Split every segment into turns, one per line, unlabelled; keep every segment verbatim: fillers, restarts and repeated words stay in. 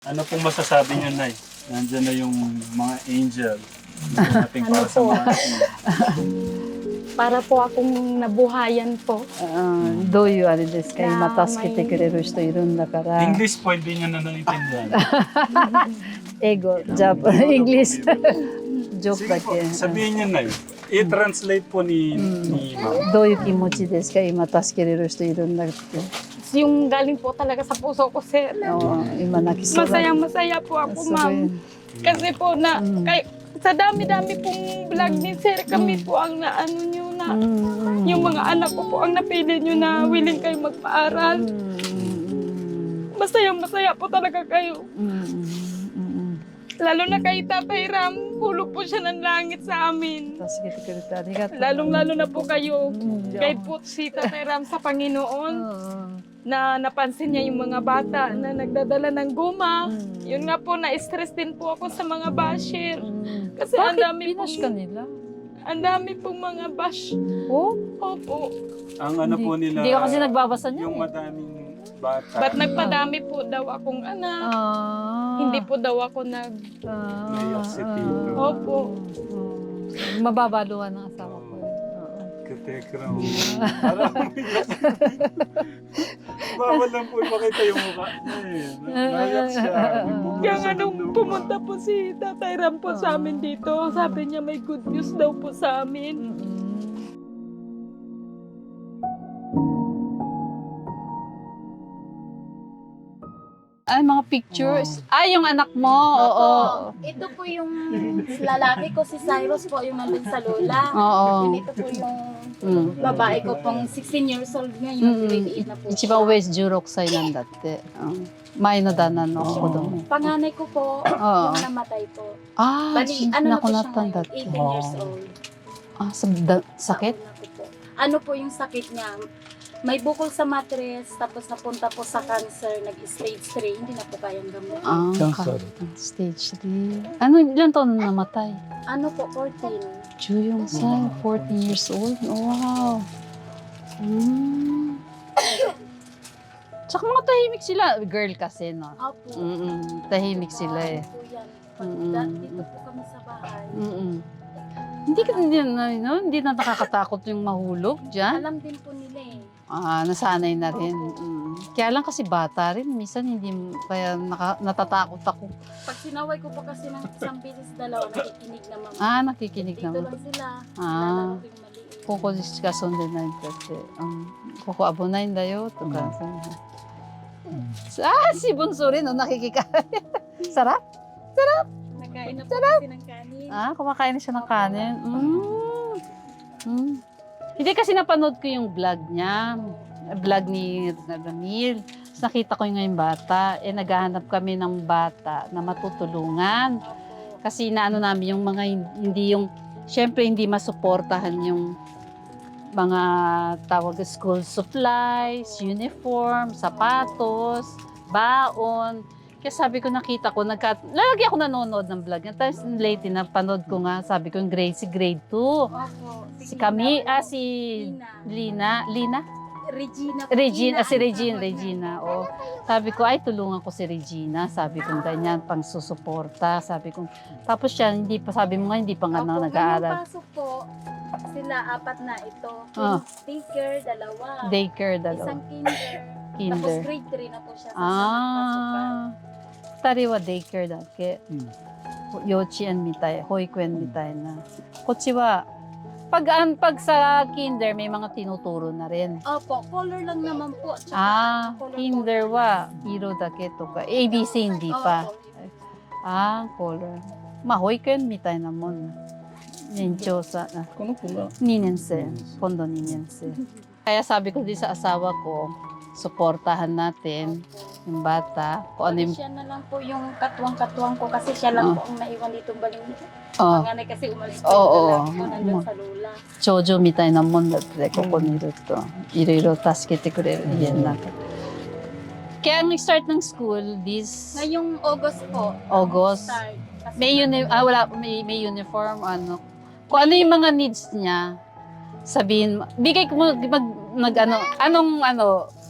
Ano pong masasabi niyo, Nay? Nandiyan na yung mga angel. Nating para sa mga
Para po akong nabuhayan po.
あーどういうあれですか、
いやー
今助けてくれる人いるんだから。
English po, hindi niya na naiintindihan.
英語、ジャパン、イングリッシュ。ジョーク
Sige
だ
po,
け。
sabihin niya, Nay. I-translate po ni, ni Ma'am.
どういう気持ちですか、今助けれる人いるんだって。
Yung galing po talaga sa puso ko, sir.
お今泣きそうだ。
Masayang masaya po ako,
すごい
ma'am. Kasi po na,
Mm.
kay, sa dami-dami pong vlog ni sir, kami po ang naano nyo na,
うんうん
yung mga anak ko po ang napili nyo na willing kayo
う
magpaaral.
んうん
Masayang masaya po talaga kayo.
うんうんうん
Lalo na kay Tatay Ram, hulog po siya ng langit sa amin.
助けてくれてありがとう。
Lalong-lalo na po kayo,
うん
kay po si Tatay Ram sa
う
Panginoon,
ん
na napansin niya yung mga bata na nagdadala ng guma.
Mm.
Yun nga po, na-stress din po ako sa mga basher.
うん
Kasi ang
Bakit
dami
Pinas
pong,
ka nila?
ang dami pong mga bash.
Oh?
Opo.
Ang ano po nila,
Hindi ka kasi nagbabasa niya.
yung madaming bata.
Ba't nagpadami po daw akong anak?
Ah.
Hindi po daw ako nag...
Ah,
Naiyak si Tito.
Opo.
ah. Mababaluhan ng asawa ko. eh. Oo.
Katekram. Parang bawal lang po ipakita yung mukha. Ay, naiyak siya.
Kaya nga nung pumunta po si Tatay Ram po sa amin dito, sabi niya may good news daw po sa amin.
Mm-mm. Ay, mga pictures. Ay, yung anak mo. Oo.
Ito po yung lalaki ko, si Cyrus po, yung nandun sa lola.
Oo.
Yun, ito po yung
Mm.
babae ko pong sixteen years old
Mm.
ngayon. Grade eight na po
一番上じゅうろくさいなんだって。うん前の旦那の子供。
Panganay ko po,
Oo.
yung namatay po.
Ah,
Bali, ano na po siya
nakunatan
ngayon,
dati.
eighteen years old.
Ah, sa da- sakit?
Ano po po. Ano po yung sakit niya? May bukol sa matres, tapos napunta po sa cancer, nag-stage three, hindi na po kayang gamutin.
Ah,
Cancer.
ka- stage three. Ano, ilan taon na namatay?
Ano po, fourteen.
Juyong Sai, fourteen years old. Oh, wow. Mm. Tsaka mga tahimik sila. Girl kasi, no?
Opo.
Mm-mm. Tahimik sila eh.
Ano po yan. Pag
Mm-mm.
da- dito po kami sa bahay.
Mm-mm. Hindi ka hindi na, no? Hindi na nakakatakot yung mahulog dyan.
Alam din po nila eh.
Ah, nasanay na rin. Mm. Kaya lang kasi bata rin. Minsan hindi, kaya naka, natatakot ako.
Pag sinaway ko po kasi ng isang beses dalawa, nakikinig naman.
Ah, nakikinig
Dito
naman.
lang sila.
Ah.
Lalaro ko yung maliit.
ここでしか遊んでないんだって、うん、ここ危ないんだよとか、さあ、si Bunso rin, no, nakikikain. Sarap?
Nakain na po kasi ng kanin.
Ah, kumakain na siya ng kanin. Mm. Mm. Hindi kasi napanood ko yung vlog niya, vlog ni Ramil. Tapos nakita ko yung ngayong bata, eh naghahanap kami ng bata na matutulungan.
Opo.
Kasi naano namin yung mga hin- hindi yung, syempre hindi masuportahan yung mga tawag school supplies, uniform, sapatos, baon. Kaya sabi ko, nakita ko, nagka, lagi ako nanonood ng vlog niya. Tapos lately, napanood ko nga, sabi ko, yung grade, si grade two.
Opo.
Si Kami, ah, si
Lina.
Lina, Lina?
Regina. po.
Regina, ah, si
ang
Regina,
tawag
Regina.
namin.
Oh. Sabi ko, ay, tulungan ko si Regina. Sabi ko, ganyan, pang susuporta. Sabi ko, tapos siya, hindi pa, sabi mo nga, hindi pa nga
Opo,
na nag-aaral.
ngayong pasok po, sila apat na ito.
Ah.
Daycare, dalawa.
Daycare, dalawa.
Isang kinder. Tapos
Kinder.
grade three na po siya sa pasukan.
Ah, 二人はデイケアだっけ、幼稚園みたい、保育園みたいな。こっちは、pag, an, pag sa kinder, may mga tinuturo na rin.
Opo, color lang naman po. Tsaka
Ah,
color
kinder
color.
wa, iro dake to ka. A B C hindi pa.
Opo.
Ah, color. Ma, 保育園みたいなもんな。年長さ、ah,
この子が
にねん生。今度にねん生。Kaya sabi ko din sa asawa ko, suportahan natin yung bata. Kung ano
Bali
yung...
siya na lang po yung katuwang-katuwang ko kasi siya lang
Oh.
po ang naiwan dito baling.
Oh.
Panganay kasi umalis po
Oo,
yung
oo.
lalaki ko nandun sa lola.
長女みたいなもんだって、ここにいると、いろいろ助けてくれる家の中。Kaya ang start ng school, this
Ngayong August po.
August.
Start. Kasi
may uni ah, wala, may, may uniform, ano. Kung ano yung mga needs niya, sabihin, mo- bigay ko mo, mag, nag, ano, anong, ano,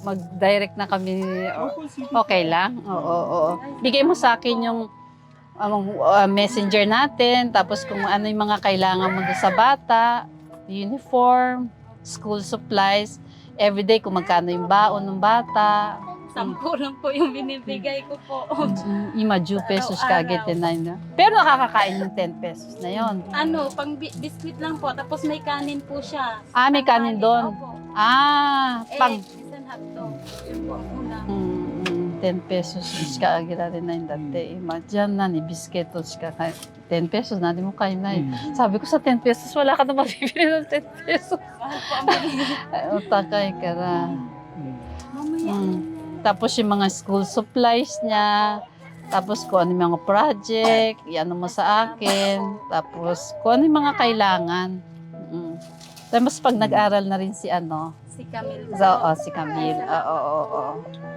mag-direct na kami.
Opo, sige.
Okay lang? Oo, oo, oo. Bigay mo sa akin yung um, uh, messenger natin, tapos kung ano yung mga kailangan mo doon sa bata, uniform, school supplies, everyday kung magkano yung baon ng bata.
Sampo lang po yung binibigay ko po.
Ima two pesos ka agad na. Pero nakakakain ng ten pesos na yon.
Ano, pang bi- biscuit lang po, tapos may kanin po siya.
Ah, may kanin doon.
Opo.
Ah,
Eh,
pang
minsan hotdog. Yun po ang ulam.
mm, ten pesos ka agad na yung dati. Ima dyan na ni bisketos ka. ten pesos na, di mo kain na eh.
Mm.
Sabi ko sa ten pesos, wala ka na mabibili ng ten pesos.
Mahal po ang binibigay.
Ay, utakay ka na.
Mm.
Mamaya.
Mm. Tapos yung mga school supplies niya, tapos kung ano yung mga project, iano mo sa akin, tapos kung ano yung mga kailangan. Mm. Tapos pag nag-aral na rin si ano,
Si Camille.
so, oh, si Camille. Oo, oo, oo.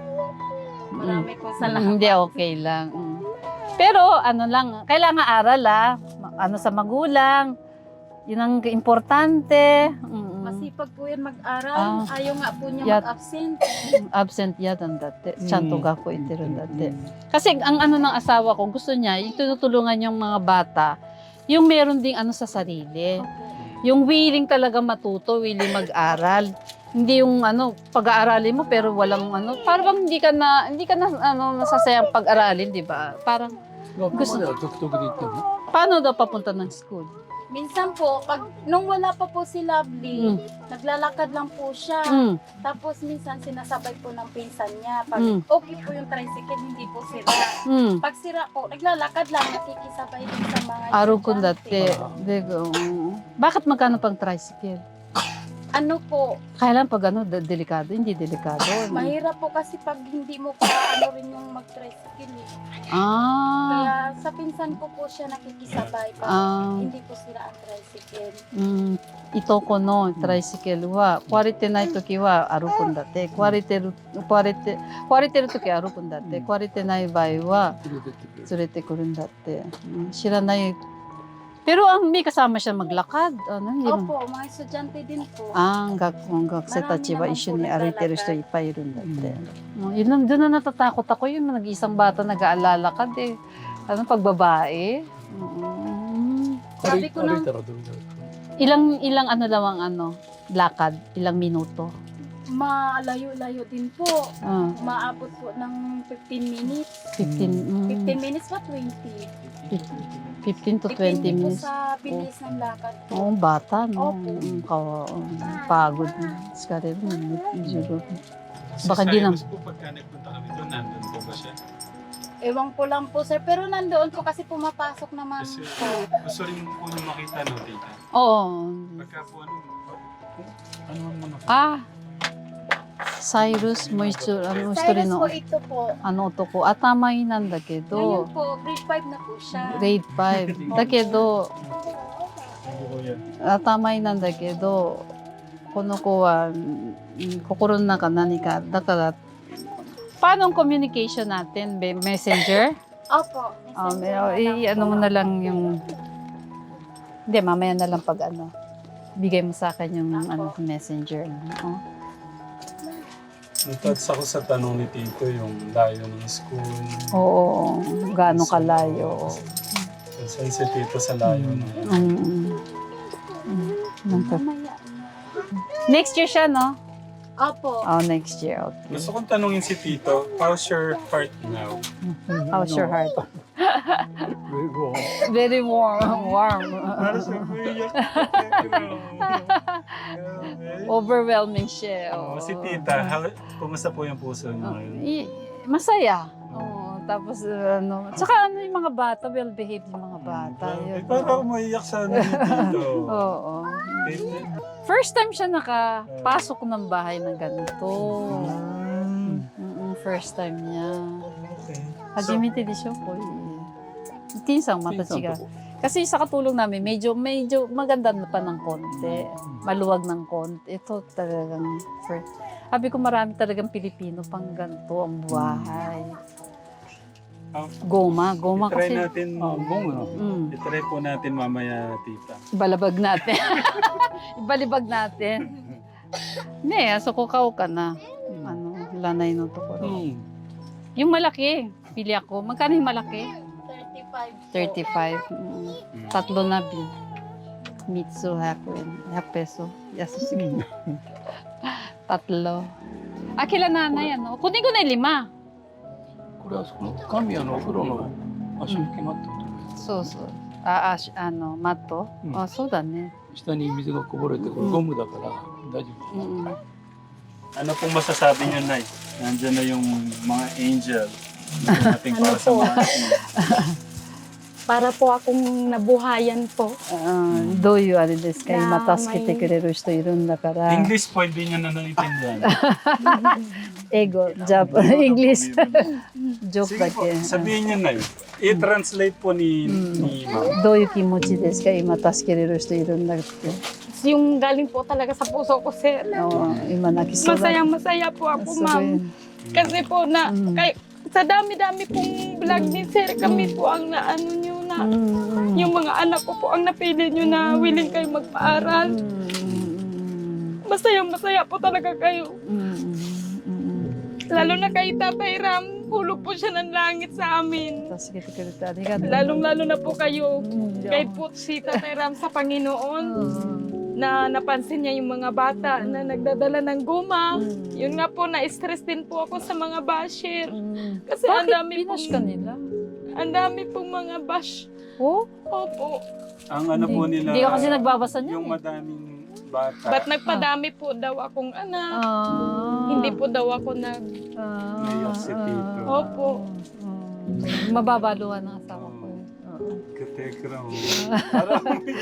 Marami pong
Mm,
salamat.
Hindi, okay lang. Mm. Pero ano lang, kailangan aral ah. Ma- Ano sa magulang, yun ang importante. Mm.
Masipag po yan mag-aral.
Ah.
Ayaw nga po niya
Yat-
mag-absent.
Absent yata dati. Chanto
Mm.
gako itiron dati. Kasi ang ano ng asawa ko, gusto niya, yung tinutulungan yung mga bata, yung meron ding ano sa sarili.
Opo.
Yung willing talaga matuto, willing mag-aral. Hindi yung ano, pag-aaralin mo pero walang ano, parang hindi ka na, hindi ka na ano, nasasayang pag-aralin, di ba? Parang, gusto,
Tugtog dito.
paano daw papunta ng school?
Minsan po, pag nung wala pa po si Lovely,
Mm.
naglalakad lang po siya.
Mm.
Tapos minsan sinasabay po ng pinsan niya. Pag
Mm.
okay po yung tricycle, hindi po sira.
Mm.
Pag sira po, naglalakad lang, nakikisabay din sa mga
Araw ko
estudyante.
dati. Digo, bakit magkano pang tricycle?
Ano po,
Kailan pag ano, de- delikado, hindi delikado.
mahirap po kasi pag hindi mo pa ano rin yung mag-tricycle. Eh.
Ah,
Kaya sa pinsan ko po siya nakikisabay pag
ah,
hindi po sira ang tricycle.
mm, ito ko no, tricycle wa, kwarite na ito kiwa, arupon date, kwarite, ru- kwarite, kwarite ru toki arupon date, kwarite na ibai wa, tsurete kurun date. Mm, shiranai. Pero ang may kasama siya maglakad, ano, hindi mo.
Opo, mga estudyante din po.
Ah, ang gak, ang gakusei
Marami
tachi wa
naman
isyo
po
ni ariteru
naglalakad.
shito ippai irun date. Mm, yun lang, doon na natatakot ako, yun, nag-isang bata nag-aalalakad eh. Ano, pag babae. Mm.
Sabi ko nang
Ilang, ilang ano lang ang ano, lakad, ilang minuto.
malayo-layo din po.
Ah,
Maabot po ng fifteen minutes.
fifteen, mm,
fifteen minutes ba? twenty?
fifteen to twenty
Depende po
minutes.
sa bilis ng lakad po.
Oo, bata, no?
Opo.
Mm, kawa, um, pagod. Skari rin, medyo. Baka di na.
Mas po pagka nagpunta kami doon, nandun po ba siya?
Ewan ko lang po sir, pero nandoon po kasi pumapasok naman
Kasi
po.
gusto rin po nung makita no, tita.
Oo.
Pagka po ano, ano ang mga
Ah, Cyrus Moisture, ano, gusto rin,
Cyrus
no?
po ito po.
Ano to ko? Atamay nan da
Ngayon
kedo.
po, grade five na po siya.
Grade five. Da kedo,
ano po yan?
atamay nan da kedo, この子は、うん心の中何か、だから、paano ang communication natin? Be- Messenger?
Opo.
Ah,
messenger
may,
na lang
i- ano
po.
mo na lang yung... Hindi, mamaya na lang pag ano. Bigay mo sa akin yung
Ako.
ano, messenger. Oh.
Natats ako sa tanong ni Tito, yung layo ng school.
Oo, gaano kalayo.
Saan si Tito sa layo ng...
Mm, mm. Mm, nangka-
Mamaya.
Next year siya, no?
Opo.
Oh, next year. Okay.
Gusto kong tanongin si Tito, how's your heart now?
How's your heart? Very warm. Warm.
Para sa kuya.
Overwhelming siya.
Oh,
oo.
si Tita, how, kumusta po yung puso niyo
Oh,
ngayon?
i- masaya. Oo, tapos uh, ano, tsaka ano yung mga bata, well-behaved yung mga bata.
Eh,
Yun.
parang umaiyak sa ano ni Tito.
Oo.
Eh,
First time siya nakapasok ng bahay ng ganito.
mm,
Mm-mm, first time niya.
okay.
Hajimite de siya po. Tinsang mata siya. Kasi sa katulong namin, medyo medyo maganda na pa ng konti. Maluwag ng konti. Ito talagang first. Sabi ko marami talagang Pilipino pang ganito ang buhay.
Ah,
Goma, goma
Try
kasi.
natin,
Mm,
itry po natin mamaya, Tita.
ibalabag natin. Ibalibag natin. Hindi, so kukaw ka na. Ano, lanay no tokoro.
Hmm.
Yung malaki, pili ako. Magkano yung malaki?
thirty-five po.
thirty-five. Mm. Tatlo na bin. Mitsu, hako yen. one peso. Yasu sige. Tatlo. Ah, kila nanay, ano? Kunin ko na yung lima.
これはその神谷のお風呂の足拭きマットとか、
So, so. Ah, ah, sh- ano, mato?
Mm.
Ah, so da ne.
下に水がこぼれてこれゴムだから大丈夫。
Mm.
Ano pong masasabi niyo, Nay? Nandiyan na yung mga angel na dumating para sa
Ano po?
mga
Para po akong nabuhayan po.
Ah, どういうあれですか、今助けてくれる人いるんだから。
English po, hindi niyo na naiintindihan.
英語、ジャパン、English。ジョーク
Sige
だ
po,
け。
sabihin niyo, Nay. I-translate po ni, ni Ma'am.
どういう気持ちですか、今助けれる人いるんだって。
Yung galing po talaga sa puso ko, sir.
Oo,今泣きそうだ。
Masayang masaya po ako, ma'am. Kasi po na,
Mm.
kay, sa dami-dami pong vlog ni sir, kami po ang naano nyo na,
Mm.
yung mga anak ko po ang napili nyo na willing kayo magpaaral.
Mm.
Masayang masaya po talaga kayo.
Mm.
Lalo na kay Tatay Ram, hulog po siya ng langit sa amin.
助けてくれてありがとう。
Lalong-lalo na po kayo,
Mm.
kay po si Tatay Ram sa Panginoon,
Mm.
na napansin niya yung mga bata na nagdadala ng guma.
Mm.
Yun nga po, na-stress din po ako sa mga basher.
Mm.
Kasi ang
Bakit
dami
binash
pong,
ka nila?
ang dami pong mga bash.
Oh?
Opo.
Ang ano po
Hindi-
nila,
Hindi ka kasi nagbabasa niya.
yung
eh.
madaming bata.
Ba't nagpadami po daw akong anak?
Ah.
Hindi po daw ako nag...
Ah.
Naiyak si Tito.
Opo.
Ah. Mababaluan ng asawa ko. eh. Oo.
Katekram. Parang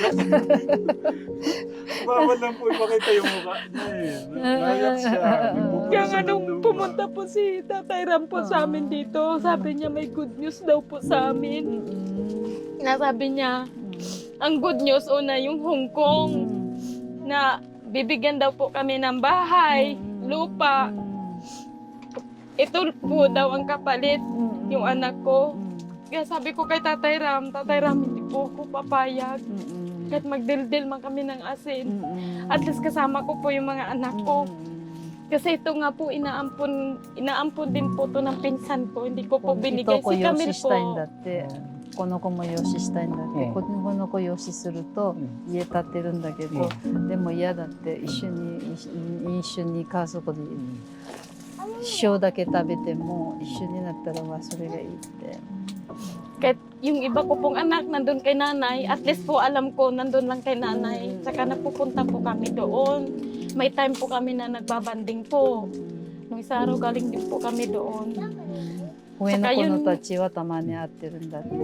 bawal lang po ipakita yung mukha niya eh. Naiyak siya.
Kaya nga nung pumunta po si Tatay Ram po sa amin dito, sabi niya may good news daw po sa amin.
Mm.
Nasabi niya, ang good news una yung Hong Kong na bibigyan daw po kami ng bahay, lupa. Ito po daw ang kapalit, yung anak ko. Kaya sabi ko kay Tatay Ram, Tatay Ram, hindi po ako papayag. Kahit magdildil man kami ng asin. At least kasama ko po yung mga anak ko. Kasi ito nga po, inaampon, inaampon din po to ng pinsan ko. Hindi ko po binigay. Si Camille po.
この子も養子したいんだって、
うん
この子養子すると家建てるんだけど、でも嫌だって一緒に一緒に家族で一生だけ食べても一緒になったらはそれがいいって。
Kahit yung iba ko pong anak nandun kay nanay, at least po alam ko nandun lang kay nanay. Saka napupunta po kami doon. May time po kami na nagbabanding po. Nung isa araw galing din po kami doon.
上の子のたちはたまに会ってるんだって。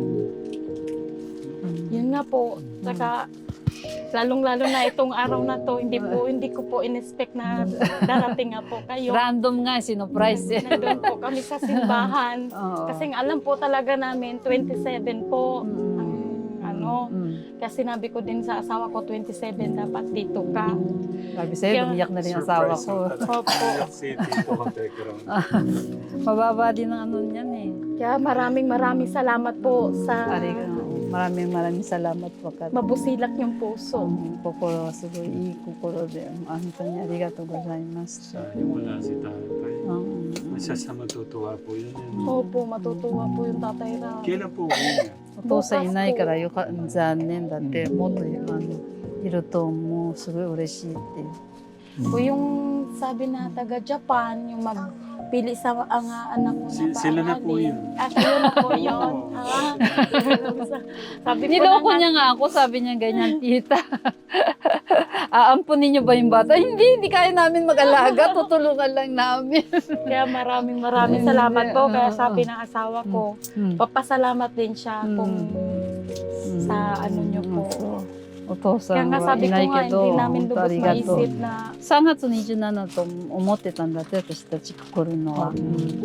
Yun nga po. Saka lalong-lalo na itong araw na to, hindi po hindi ko po in-expect na darating nga po kayo.
Random nga, sinurprise eh.
Nandun po kami sa simbahan.
Oo.
Kasi alam po talaga namin, twenty-seven po ang ano.
Mm.
Kasi sinabi ko din sa asawa ko, twenty-seven dapat dito ka.
Sabi sa'yo, umiyak na rin ang asawa ko.
Opo.
Si Tito Katekram.
Mababa din ang ano niyan eh.
Kaya maraming maraming salamat po sa
Arigato. Maraming maraming salamat po. Kat.
mabusilak yung puso.
うん心はすごいいい心で本当にありがとうございました
Sayang wala si tatay.
うん。
Isa sa matutuwa po yun. yun.
Opo, matutuwa po yung Tatay Ram.
Kailan po uwi niya?
お父さんいないからよか残念だってもっとあのいるともうすごい嬉しいって。
Po yung sabi na taga Japan, yung magpili sa ang ah, anak ko na
Si- sila na po
paaralin.
yun.
Ah, sila na po yun. Ah, sabi po
Niloko
na
niya nga ako, sabi niya ganyan, tita. Aampunin niyo ba yung bata? Hindi, hindi kaya namin mag-alaga. Tutulungan lang namin.
kaya maraming maraming salamat po. Kaya sabi ng asawa ko,
Hmm.
papasalamat din siya kung sa ano niyo po.
お父さ
Kaya
ん
nga
は
sabi
い
ko
ない
nga,
けど、
hindi namin
本当あ
lubos
りがとう。
maisip na
さんがつにじゅうしちと思ってたんだって、私たち来るのは。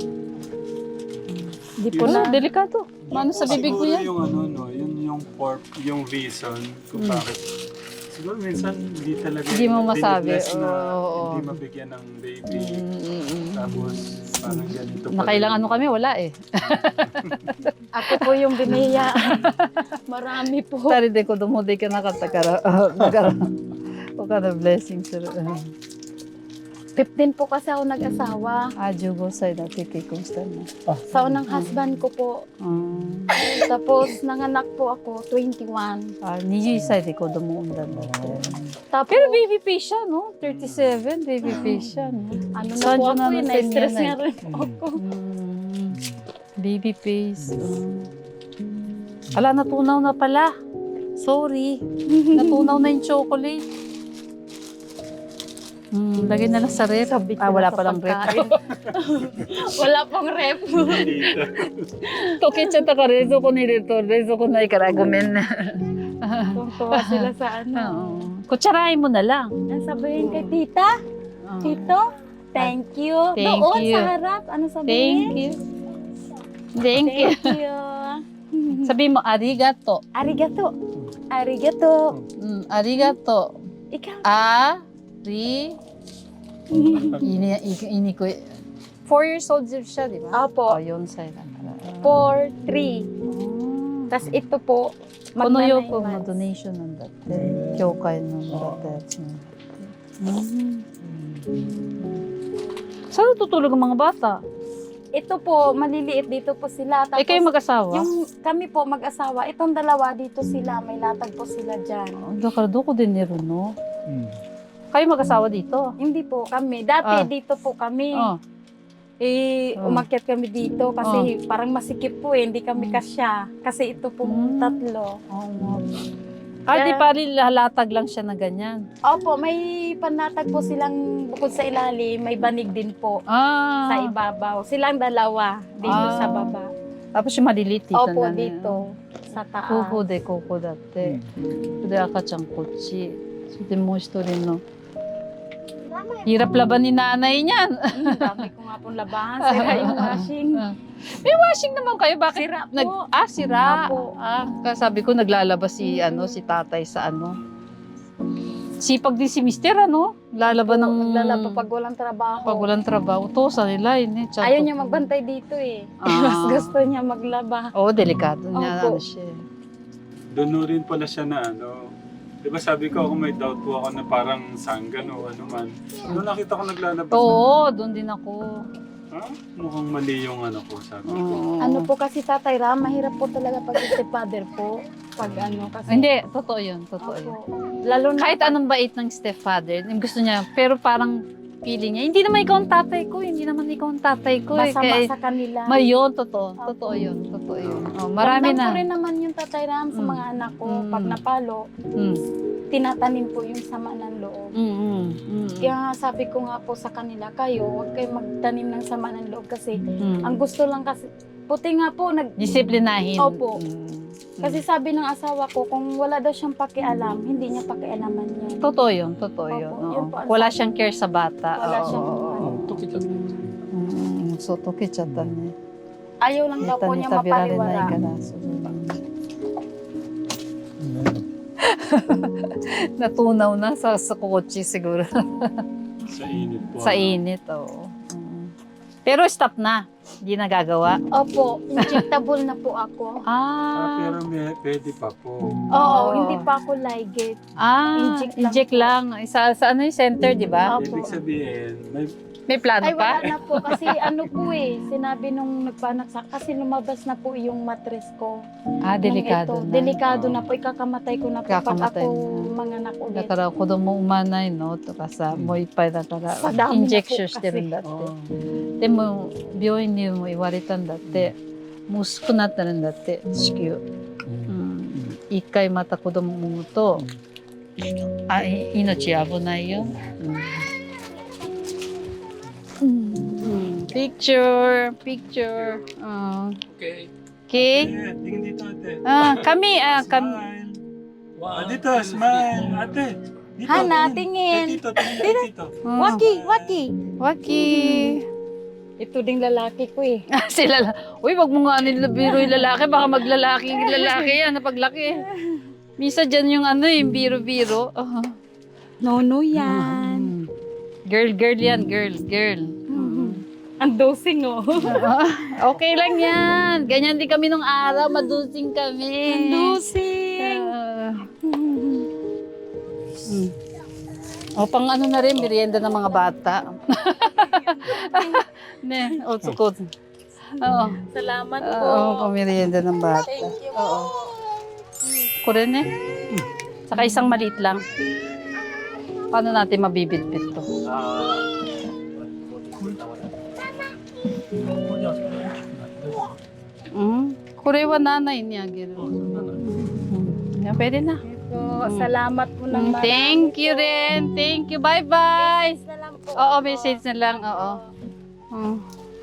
di po
Oh,
na.
delikado. Mano sa bibig ko
Siguro
yan?
yung ano, no, yun yung pork, yung reason kung bakit. Siguro minsan hindi talaga
Hindi mo masabi.
binibless na
Oo.
hindi mabigyan ng baby.
Mm-mm.
Tapos parang ganito pa.
Nakailangan mo kami, wala eh.
Ako po yung biniyaan. Marami po.
二人で子供できなかったから、あだから、他のブレッシングする。
fifteen po kasi ako nag-asawa.
Ah, jugo sa dati kay kumusta na.
Sa unang husband ko po.
Ah,
Tapos nanganak po ako, twenty-one.
ah twenty-one sa di ko dumuundan dati.
Tapos,
Pero baby face siya, no? thirty-seven, baby face siya, no?
ano na
Saan
po
yun
ako
na
eh,
natin
na-stress
yan,
nga
eh?
rin po ako.
Mm, baby face. Mm. Ala, natunaw na pala. Sorry. Natunaw na yung chocolate. Hmm, lagay na lang sa rep.
Sabi ko
Ah, wala
na sa
palang rep.
pagkain. Wala pong rep.
Toke chat ka rezo ko ni rito. Rezo ko na ikaragumen.
Tuwa sila sa ano.
Oo. Kutsarahin mo na lang.
Ang sabihin kay tita,
Oo.
tito, thank you.
Thank
Doon
you.
sa harap, ano
Thank
sabihin?
you. Thank you.
Thank you.
Sabi mo, arigato.
Arigato. Arigato.
Mm, arigato.
Ikaw.
Ari. Ini, ini, ini ko. Four years old siya, di ba?
Opo.
Oh, yun sa'yo lang.
Four, three.
Oh.
Tapos ito po,
Kono
magna
yo
nine
ko mo
months.
donation ng dati. Kyokai ng dati. Mm. Saan tutulog ang mga bata?
Ito po, maliliit dito po sila. Tapos,
Eh kayo mag-asawa?
yung kami po mag-asawa, itong dalawa dito sila, may latag po sila dyan.
Oh, Dakardo ko din ni Runo.
Hmm.
Kayo mag-asawa dito?
Hindi po kami. Dati
Ah.
dito po kami.
Oh.
Eh,
Oh.
umakyat kami dito kasi parang masikip po eh. Hindi kami kasya. Kasi ito po
Mm.
tatlo.
Oh, oh. Ah, di pa rin lalatag lang siya na ganyan.
Opo, may panatag po silang bukod sa ilalim, may banig din po
Ah.
sa ibabaw. Silang dalawa dito
Ah.
sa baba.
Tapos yung maliliit dito
Opo,
na.
dito sa taas.
Koko de koko dati. De akachan kochi. So, de mo history no. Hirap laban ni nanay niyan.
Hmm, dami ko nga pong labahan. Sira yung washing.
May washing naman kayo. Bakit?
Sira po.
Nag, ah, sira.
Opo.
Ah, kasabi ko naglalabas si, ano, si tatay sa ano. Sipag din si mister, ano? Lalaban ng...
Naglalaba pag walang trabaho.
Pag walang trabaho. To, sa nila, yun eh. Tsato.
Ayaw niya magbantay dito eh.
Ah.
Mas gusto niya maglaba.
Oo, oh, delikado niya.
Opo.
Ano siya. eh.
Doon rin pala siya na ano. Di ba sabi ko ako may doubt po ako na parang sanggan o ano man. Doon nakita ko naglalabas.
Oo, doon din ako.
Ha? Mukhang mali yung ano ko, sabi ko.
Oo.
Ano po kasi Tatay Ram, mahirap po talaga pag stepfather po. Pag ano kasi.
Hindi, totoo yun. Totoo yun.
Opo. Lalo na
Kahit anong bait ng stepfather, yung gusto niya, pero parang feeling niya, hindi naman ikaw ang tatay ko, hindi naman ikaw ang tatay ko. Eh.
masama
Kaya,
sa kanila.
mayon, totoo.
Opo.
Totoo yun. Totoo yun. Oh, marami
Ramdam
na.
ko rin naman yung Tatay Ram sa
Mm.
mga anak ko.
Mm.
Pag napalo,
Mm.
tinatanim po yung sama ng loob.
Mm, mm, mm,
Kaya nga sabi ko nga po sa kanila, kayo, huwag kayo magtanim ng sama ng loob kasi
mm.
ang gusto lang kasi, puti nga po, nag,
Disiplinahin.
Opo.
Mm.
kasi sabi ng asawa ko, kung wala daw siyang pakialam, hindi niya pakialaman yan.
Totoo yun. Totoo
Opo,
yun.
yun
oo.
po ang
Wala
sabi.
siyang care sa bata.
Wala
Oo,
siyang-
oo, oo.
溶けちゃって。
Mm, so, tokichata ne.
Ayaw lang daw po niya
Tabirare na
mapaliwara.
ikaraso. Natunaw na sa, sa kotse siguro.
Sa init po.
Sa init, oo. Mm. Pero stop na. Hindi na gagawa.
Opo, injectable na po ako.
Ah,
Ah,
pero may, pwede pa po.
Oo, hindi pa ako ligate.
ah
Inject
inject,
lang
lang. Sa, sa ano yung center, di ba?
Opo.
Ibig sabihin, may
May plano
Ay, wala
pa?
na po kasi ano po eh, sinabi nung nagpanak sa, kasi lumabas na po yung mattress ko.
Ah,
Nung
delikado
ito,
na.
Delikado na po, ikakamatay ko na po pag
Ikakamatay
ako
na.
manganak ulit.
だから子供産まないのとかさ、もういっぱいだから
さダメな
インジェクションしてるんだって。
oh,
でも病院にも言われたんだって、もう薄くなってるんだって子宮。うん、一回また子供産むと、あい命危ないよ。うん。Picture, picture. Uh,
OK。
okay.
eh, tingin dito ate.
Ah, kami, ah, kami.
Smile. Ah, dito, smile. Ate. Dito,
Hana,
tingin.
tingin.
Kay Tito, tingin kay Tito.
Ah,
Waki, waki.
Waki.
Ito ding lalaki ko eh.
Sila lang. Uy, wag mo nga nila biro yung lalaki. Baka maglalaki yung lalaki yan na paglaki. Misa dyan yung ano yung biro-biro. Uh-huh.
Nono yan.
Girl, girl yan. Girl, girl.
Ang dosing oh.
Okay lang yan. Ganyan din kami nung araw. Madusing kami.
Ang dosing.
Ah. Mm. O pang ano na rin, merienda ng mga bata. Ne, o sukod. Oo.
Salamat po.
Oo, pang merienda ng bata.
Thank you
Oo.
po.
Ko rin eh. Saka isang maliit lang. Paano natin mabibitbit to?
これじゃあそれ大きくなってる。
Mm. これはnanay niya, giro. Mm. Yan, pwede na.
Po, salamat po ng
Mm, thank you rin. Thank you. Bye-bye.
na lang po.
Oo, message na lang. Oo. Mm.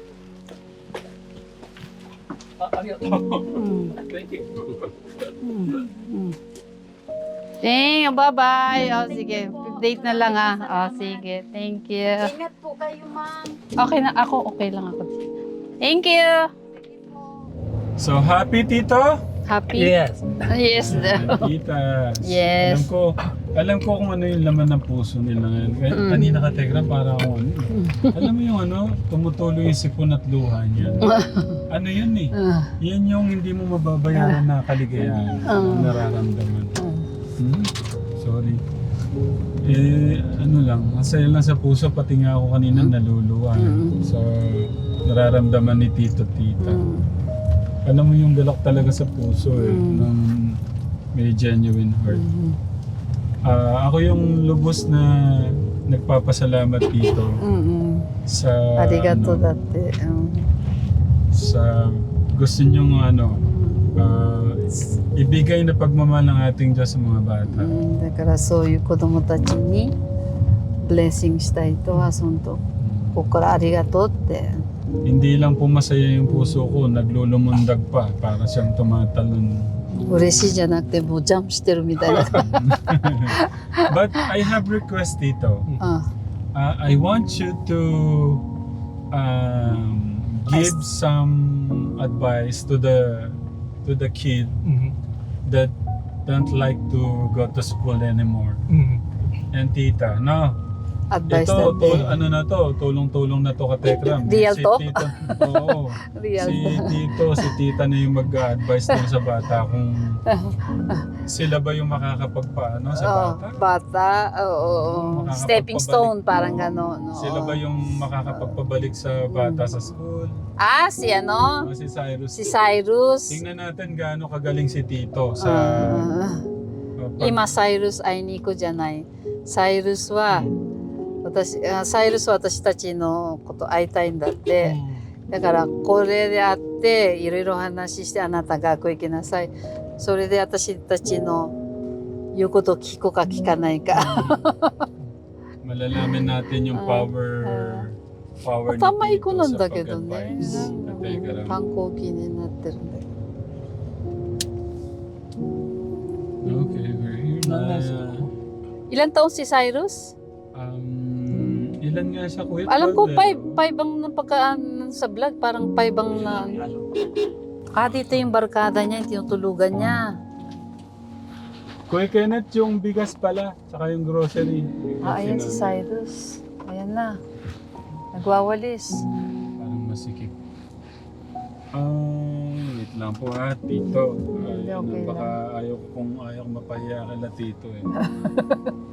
あ、ありがとう。
Mm.
Thank you.
Mm. Mm. Thank you. Bye-bye. O, sige. Date na lang ah. O, sige. Thank you.
Ingat po kayo, ma'am.
Okay na ako. Okay lang ako. Thank you.
So, happy, Tito?
Happy?
Yes.
Yes.
Tita.
Yes.
Alam ko, alam ko kung ano yung laman ng puso nila ngayon. Kaya
Mm.
kanina ka, Tegra, para ako ano. Alam mo yung ano, tumutuloy yung sipon at luha niya. Ano yun eh?
Ah.
Yan yung hindi mo mababayaran na kaligayahan.
Ah.
Ang nararamdaman.
Ah.
Hmm? Sorry. Eh, ano lang, masaya lang sa puso, pati nga ako kanina naluluwa.
Mm.
So, nararamdaman ni Tito, Tita.
Mm.
Alam mo yung galak talaga sa puso eh,
Mm.
ng may genuine heart.
Mm.
Ah, ako yung lubos na nagpapasalamat dito
Mm.
sa
Arigato
ano,
dati. Um,
sa gusto niyong ano, ah, ibigay na pagmamahal ng ating Diyos sa mga bata.
うん、だからそういう子供たちにブレッシングしたいとは本当ここからありがとうって
Hindi lang po masaya yung puso ko, naglulumundag pa para siyang tumatalon.
嬉しいじゃなくてもうジャンプしてるみたいな
But I have request dito.
あ
Uh, I want you to um, give some advice to the to the kid
Mhm.
that don't like to go to school anymore.
Mhm.
And tita, no?
アドバイス
Ito,
だっ
to, ano na to, tulong-tulong na to ka Tekram.
Real
si
to?
Tito, oo.
てリアル
Si Tito, si Tita na yung mag-advise dun sa bata kung sila ba yung makakapagpaano sa
Oh,
bata?
bata, oo,
Makakapagpabalik.
stepping stone, parang gano'n. oo.
Sila ba yung makakapagpabalik sa bata sa school?
Ah, si ano?
O si Cyrus?
Si Cyrus.
Tingnan natin gaano kagaling si Tito sa...
Ah,
uh, pag-
今、サイルス会いに行くじゃない。サイルスは、私、あサイルスは私たちのこと会いたいんだって。だから、これで会って、いろいろ話して、あなた学校行きなさい。それで私たちの言うことを聞くか聞かないか。
Malalaman natin yung
Ah,
power... power ni
頭いい子
Tito
なん
sa
だけどね。
pag-advise. At Tekram.
反抗期になってるんだけど。
Okay, we're here
何年生
na.
なの？
Ilan taon si Cyrus?
Um, ilan nga siya, Kuya?
Alam ko,
twelve,
five,
eh.
five ang napagkaan sa vlog. Parang five ang na... Ah, dito yung barkada niya, yung tinutulugan niya.
Kuya Kenneth, yung bigas pala, saka yung grocery.
Ah, ayan si Cyrus. Ayan na. Nagwawalis.
Parang masikip. Ah, wait lang po ha, Tito.
Hindi,
Ay,
okay
baka ayaw ko kung ayaw ko mapahiya kala Tito eh.